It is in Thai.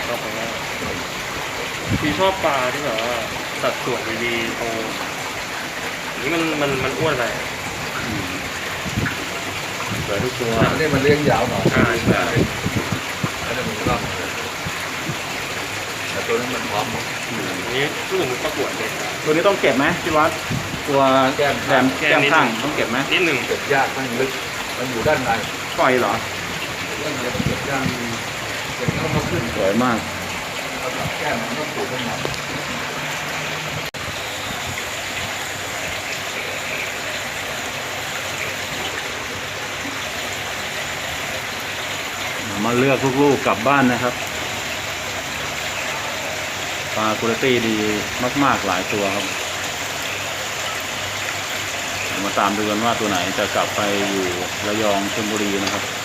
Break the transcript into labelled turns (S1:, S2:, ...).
S1: ชอบมากพี่ชอบปลาที่แบบว่าสัดส่วนดีๆโตนี่มันอ้วนไป
S2: เหลือทุกตัว
S3: อันนี้มันเลี้ยงยาวหน่อย
S1: ใช่
S3: อันนี้มันร่ำแต่ตัวนั้นมันพร้อมหมด
S1: อันนี้รู้สึกมันประกวดเลย
S2: ตัวนี้ต้องเก็บไหมพี่วัดตัวแก้มข้างต้องเก็บไหม
S1: นิดหนึ่ง
S3: เก็บยากมันลึกมันอยู่ด้านใน
S2: ปล่อยเหรอ
S3: ด้านในมันเก็บยากเก็บแล้วมันขึ้น
S2: สวยมาก
S3: แล้วก็แก้มมันต้องปลูกขึ้นมา
S2: มาเลือกลูกๆกลับบ้านนะครับปลาคุณภาพดีมากๆหลายตัวครับมาตามดูกันว่าตัวไหนจะกลับไปอยู่ระยองชลบุรีนะครับ